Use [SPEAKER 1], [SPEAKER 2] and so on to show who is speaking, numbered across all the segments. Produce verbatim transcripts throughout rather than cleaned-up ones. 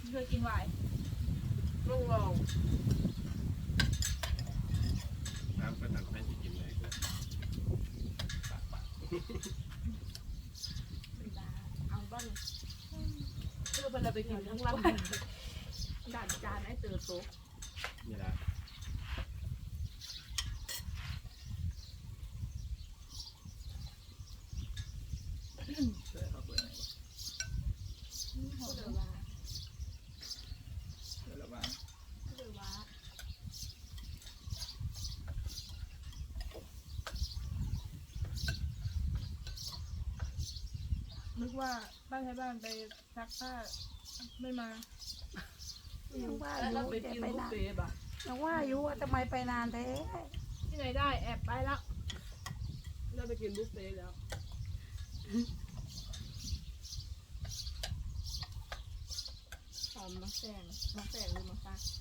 [SPEAKER 1] เคยกินไวน์ลองลอง
[SPEAKER 2] น้ำก็ตัดไม่จะกินเลยก็
[SPEAKER 1] เอาบ้างเพื่อมันเราไปกินทั้งลำด่านจานไอ้เต๋อโต๊ะ
[SPEAKER 2] นี่ละ
[SPEAKER 3] ช่วยเขาเปิดหน่อย
[SPEAKER 1] เต๋อว่า
[SPEAKER 3] เดี๋ยวระวัง
[SPEAKER 1] เต๋อว่านึกว่าบ้านใช้บ้านไปซักผ้าไม่มา
[SPEAKER 4] ยังว่าอ
[SPEAKER 1] แล้วเรา
[SPEAKER 4] ยู่
[SPEAKER 1] ไป
[SPEAKER 4] แต่
[SPEAKER 1] กิน
[SPEAKER 4] ไป
[SPEAKER 1] บุฟ
[SPEAKER 4] นาน
[SPEAKER 1] เฟ่ต์ป่ะ
[SPEAKER 4] ยังว่าอยู่ว่าทำไมไปนานแท้
[SPEAKER 1] ที่ไหนได้แอบไปแล้วเราไปกินบุฟเฟ่ต์แล้วหอมมะแซงมะแซงหรือมะฟัก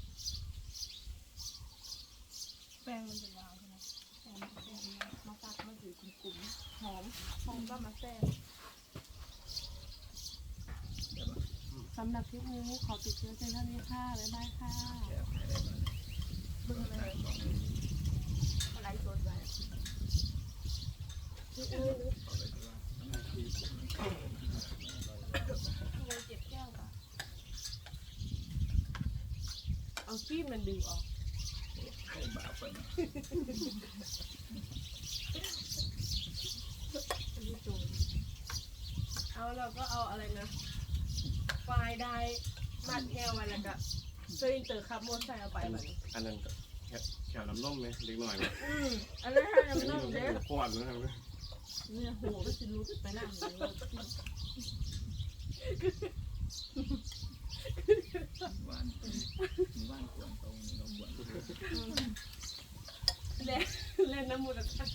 [SPEAKER 1] แป้งมันจะยาวใช่ไหมแป้งมะแซงมะฟักมันอยู่กลุ่มๆหอมหอมก็มะแซง
[SPEAKER 3] เดี๋ยวมา
[SPEAKER 4] สำหรับคลิปนี้ขอปิดเชื้อเพียงเท่านี้ค่ะบ๊ายบายค่ะ
[SPEAKER 3] แอบให้ได้มาเลย
[SPEAKER 1] เบิ่งอะไร
[SPEAKER 3] สองมือ
[SPEAKER 1] อะไรสดไป
[SPEAKER 3] เอาไปที่ว่าหน้าที่ผม
[SPEAKER 1] เลยเจ็บแก้วป่ะเอาขี้มันดึงออก
[SPEAKER 3] โอ้บาปไปนะ
[SPEAKER 1] เอาเราก็เอาอะไรนะไฟได้มัดแก้วไว้แล้วก็เจออินเตอร์ขับมอเตอร์ไซค์เอาไปแบบนี้
[SPEAKER 2] อันนั้นก็แค่แค่น้ำนมไหมเล็กหน่อยไหม
[SPEAKER 1] อืมอันนั้นให้น้ำนมเด้
[SPEAKER 2] ขวดนะครับ
[SPEAKER 1] เนี่ยหัวก็สิรู้ไปนั่งอยู่เลย
[SPEAKER 3] วานวานควรตรงนี้เราควร
[SPEAKER 1] เล่นเล่นน้ำมูดอะไร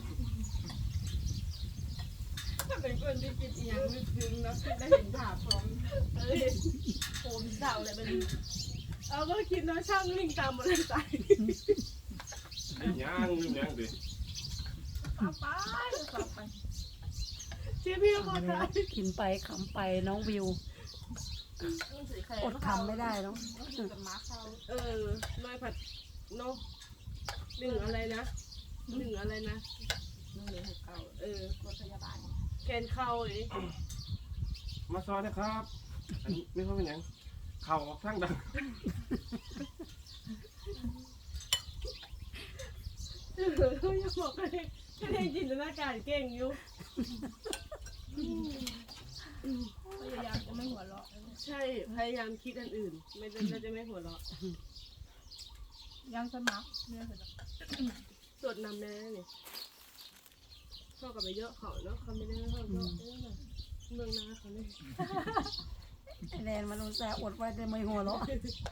[SPEAKER 1] ถ้าเป็นคนที่กินอีหยังลึกซึ้งเนาะคิดได้เห็นภาพพร้อมเอ้ยโหมเศร้าเลยมันเอาก็คิดเนาะช่างลิงตามมอเตอร์ไซค์
[SPEAKER 2] ย่างลืมย่างดิ
[SPEAKER 1] ขับไปขับไปเชี่ยพี่มอเตอร์ไซค์
[SPEAKER 4] กินไปขำไปน้องวิวอดขำไม่ได้เนาะ
[SPEAKER 1] เออน้อยผัดเนาะหนึ่งอะไรนะหนึ่งอะไรนะหนึ่งหนึ่งหกเก้าเออรถพยาบาลแกนเข้าเลย
[SPEAKER 2] มาซอยนะครับอันนี้ไม่ค่อยเป็นยังเข่าทั้งดัง
[SPEAKER 1] เออยังบอกกันเลยแค่ได้จินตนาการเก่งอยู่พยายามจะไม่หัวเราะใช่พยายามคิดอันอื่น ไม่ได้เราจะไม่หัวเราะยังสมัครเนี่ยเสร็จแล้วสวดนำแน่เนี่ยเข้ากับไปเยอะเขาเนาะเขาไม่ได้เข้าเยอะเมืองนาเขาเนี่ย
[SPEAKER 4] ไอแดนมันอุตส่าห์อดไว้แต่ไม่หัวเราะ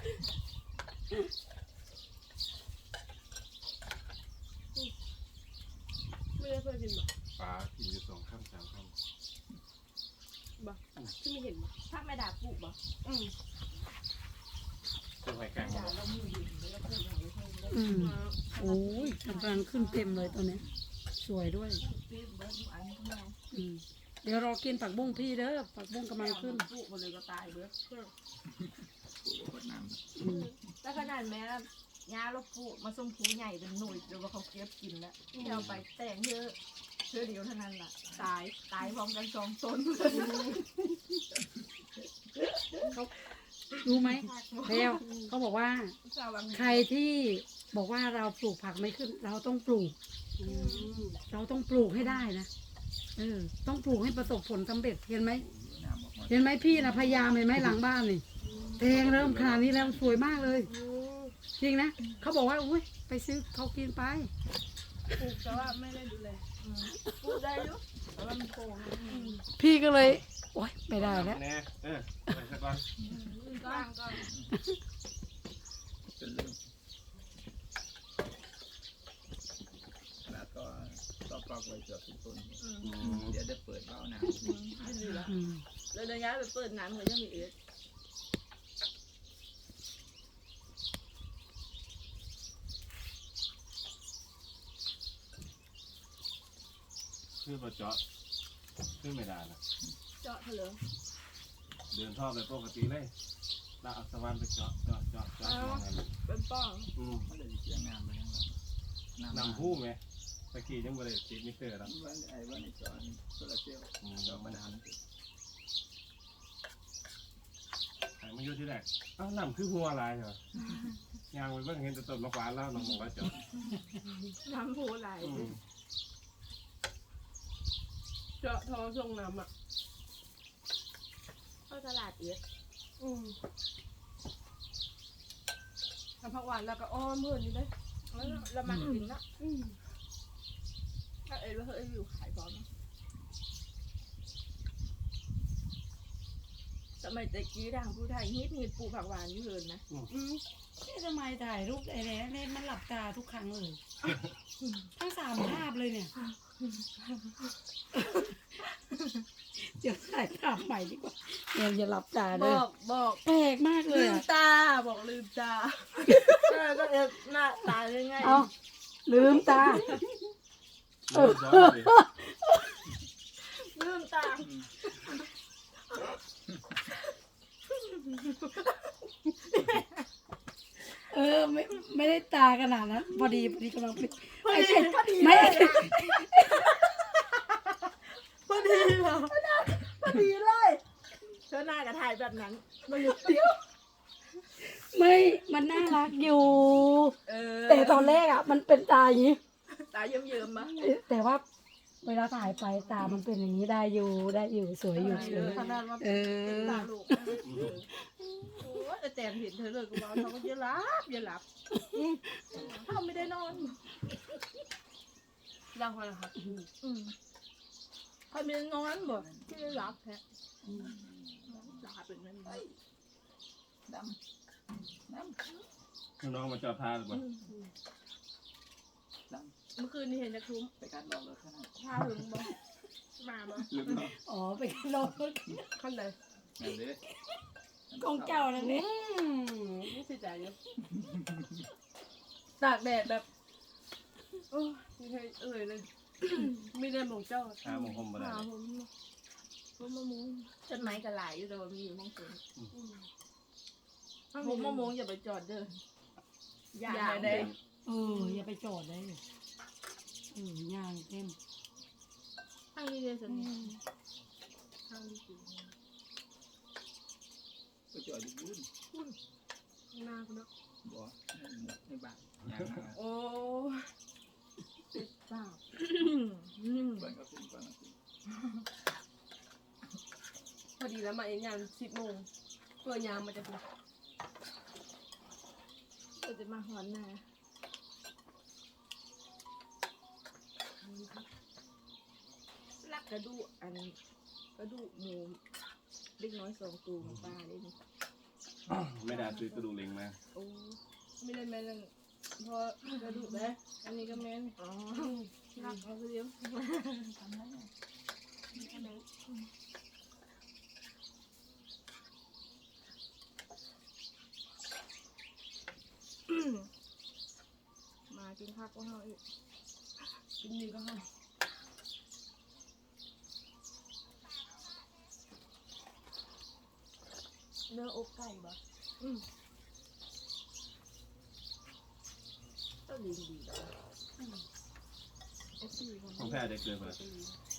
[SPEAKER 1] ไม่ได้เคยกินหรอ
[SPEAKER 2] ปลากินอยู่สองข้ามสามข้าม
[SPEAKER 1] บ่ที่ไม่เห็นบ่ถ้าไม่ด่าปุ๊บบ่อืม
[SPEAKER 2] ตัวไข่แกงมา
[SPEAKER 4] อืมโอ้ยกำลังขึ้นเต็มเลยตัวเนี้ยสวยด้วยอืมเดี๋ยวรอกินผักบุ้งพี่เด้อผักบุ้งกำลังขึ้น
[SPEAKER 1] ปุ๊บมันเลยก็ตายเบ้อ
[SPEAKER 3] กูกดน้ำ
[SPEAKER 4] อืม
[SPEAKER 1] แต่ขนาดแม้ยาเราปุ๊มาส่งผูใหญ่เป็นหน่วยเดี๋ยวว่าเขาเก็บกินแล้วที่เอาไปแต่งเยอะเชื่อเดียวเท่านั้นล่ะตายตายพร้อมกันสองตน
[SPEAKER 4] รู้ไหมเร็วเขาบอกว่า ใครที่บอกว่าเราปลูกผักไม่ขึ้น เราต้องปลูก เราต้องปลูกให้ได้นะเออต้องปลูกให้ประสบผลสำเร็จเห็นไหม
[SPEAKER 3] น้ำออกมา
[SPEAKER 4] เห็นไหมพี่นะพยายามเห็นไหมหลังบ้านนี่แทงเริ่มขนาดนี้แล้วสวยมากเลย จริงนะเขาบอกว่าอุ้ยไปซื้อเขากินไป
[SPEAKER 1] ปลูกแต่ว่าไม่ได้ดูแลปลูกได้อยู่แต่ว่ามันโกง
[SPEAKER 4] พี่ก็เลยโอ๊ยไม่ได้แล้ว
[SPEAKER 2] แน่เออไปสักก่อน
[SPEAKER 1] ก้างก็
[SPEAKER 3] จนลืมขนาดก็ก็ปลอกไว้เกือบทุกต้นเดี๋ยวจะเปิดเบ้าน้ำ
[SPEAKER 1] ไม่ดีละ
[SPEAKER 4] อืม
[SPEAKER 1] แล้วระยะไปเปิดน้ำเขายังมีเอส
[SPEAKER 2] คือประเจาะคือไม่ได้นะ
[SPEAKER 1] เจาะเถอะ
[SPEAKER 2] เดินท่อไปปกติเลยแล้วเอาสว่านไปเจาะเจาะเจาะเจาะมองให้มัน
[SPEAKER 1] เป็นป้อง
[SPEAKER 2] อืม
[SPEAKER 3] มันเลยเสียงามไปยัง
[SPEAKER 2] นำผู้ไหมตะกี้ยังบ่ได้ติดมิเตอร์แล้ว
[SPEAKER 3] วันไอ้วันไอ้จอนโซลาเซลล์
[SPEAKER 2] อืม
[SPEAKER 3] จอมาดาม
[SPEAKER 2] ไอ้มันอยู่ที่แรกเอ้านำคือหัวลายเหรอยางไปเบิ่งเห็นแต่ต้นมะขวานแล้วน้องบอกว่าเจาะ
[SPEAKER 1] น้ำผู้ไหล
[SPEAKER 2] อืม
[SPEAKER 1] เจาะทอส่งน้ำอ่ะ
[SPEAKER 5] เข้าตลาดเอียด
[SPEAKER 1] อืมทำผักหวานแล้วก็อ้อมเพื่อนนี่เลย
[SPEAKER 5] แล้วเรามากินเนาะ
[SPEAKER 1] อืมถ้าเอ็ดว่าเฮ้ยอยู่ขายพร้อมนะ
[SPEAKER 5] สมัยตะกี้ทางผู้ไทยฮิตฮิตปลูกผักหวานนี่เลยนะ
[SPEAKER 1] อืม
[SPEAKER 4] นี่ทำไมถ่ายรูปไอ้เนี่ยเนี่ยมันหลับตาทุกครั้งเลย ทั้งสามภาพเลยเนี่ย เดี๋ยวถ่ายภาพใหม่ดีกว่าเนี่ยอย่าหลับตา
[SPEAKER 1] บ
[SPEAKER 4] เลย
[SPEAKER 1] อกบอก
[SPEAKER 4] แปลกมากเลย
[SPEAKER 1] ลืม
[SPEAKER 4] อะ
[SPEAKER 1] ตาบอกลืมตา
[SPEAKER 5] เออก็เอ็ดหน้าตายังไง
[SPEAKER 4] เอาลืมตา
[SPEAKER 2] เออซ้อนเลย
[SPEAKER 5] ลืมตา
[SPEAKER 4] เออไม่ไม่ได้ตาขนาดนั้นพอดีพอดีกำลังปิด
[SPEAKER 1] พอดีพอดี
[SPEAKER 4] ไม่
[SPEAKER 1] พอดีเหรอ
[SPEAKER 5] พอดีเลยเธอหน้ากับถ่ายแบบนั้น
[SPEAKER 1] มันอยู่เดียว
[SPEAKER 4] ไม่มันน่ารักอยู่
[SPEAKER 1] เออ
[SPEAKER 4] แต่ตอนแรกอ่ะ มันเป็นตาอย่างนี้
[SPEAKER 1] ตาเยิ้มๆมะ
[SPEAKER 4] แต่ว่าเวลาถ่ายไปตามันเป็นอย่างนี้ได้อยู่ได้อยู่สวยอยู่สวย
[SPEAKER 1] ขนาดว่า
[SPEAKER 4] เอ
[SPEAKER 1] เป็น
[SPEAKER 4] อ
[SPEAKER 1] ตาลูกนะเออโอ้ยแต่แตนเห็นเธอเลยกูบอกเขาก็เยอะลับเยอะลับเขาไม่ได้นอนดังพอแล้วครับอืมเขาไม่ได้นอนบ่ไม่ได้รับแท้หลับเป็นมันไม่
[SPEAKER 3] ดำดำ
[SPEAKER 2] คือน้องมาจอดทาหรือเปล่า
[SPEAKER 3] ด
[SPEAKER 1] เมื่อคืนนี้เห็นจะคลุ้ม
[SPEAKER 3] ำไปการบอกเลยขนาด
[SPEAKER 1] พาหึงบ่มาบ่
[SPEAKER 3] ลืมเนาะ
[SPEAKER 4] อ๋อไปกันรถ
[SPEAKER 1] ขั้นไหน
[SPEAKER 3] นั่นเลย
[SPEAKER 4] กองเจ้านั่นนี่
[SPEAKER 1] อืมนี่สิจ่ายเยอะตากแดดแบบโอ้ยไม่เคยเอ่ยเลย มีแต่หมองเจ้า
[SPEAKER 2] หาหมองคมบ่ได้
[SPEAKER 1] หาผมผมมะม่วง
[SPEAKER 5] ต้นไม้กระหลายอยู่แต่ว่ามีอยู่มองสวน
[SPEAKER 1] ผมมะม่วงอย่าไปจอดเด้อ
[SPEAKER 5] อย่า
[SPEAKER 1] อย่า
[SPEAKER 5] ได้
[SPEAKER 1] ได้
[SPEAKER 4] เอออย่าไปจอดได้เลยเออย่างเต็ม
[SPEAKER 1] ทางนี้เลยสิทางนี้สิ
[SPEAKER 3] ก็จอดอยู่บุญ
[SPEAKER 1] หน้าคุณเนาะ
[SPEAKER 3] บ่ในบ้านยางมา
[SPEAKER 1] โอ้ติดปาก
[SPEAKER 3] ก่อนก็ขึ้นก่อนก็ขึ้น
[SPEAKER 1] พอดีแล้วมาเองยามสิบโมงเปิดยามมันจะเป็น
[SPEAKER 5] ก็จะมาหอนนาลักกระดูกอันกระดูกหมูเล็กน้อยสองตัวของป้าได้นี่
[SPEAKER 2] ไม่ได้ซื้อกระดูกเล็งมา
[SPEAKER 5] โอ้
[SPEAKER 1] ไม่ได้แม่นพอกระดูกแม่อันนี้ก็แม่น
[SPEAKER 5] อ๋อ
[SPEAKER 1] รักเอาคือเดียว
[SPEAKER 5] ทำแล้วเนี่ย
[SPEAKER 1] มากินข้าวก็เฮาอีกกินนี่ก็เฮาเนื้ออกไก่บ่อืม
[SPEAKER 5] ก็ดีดี
[SPEAKER 1] ไอ้สี่คน
[SPEAKER 2] ของแพ้ได้เกินไปแล้ว
[SPEAKER 5] ดี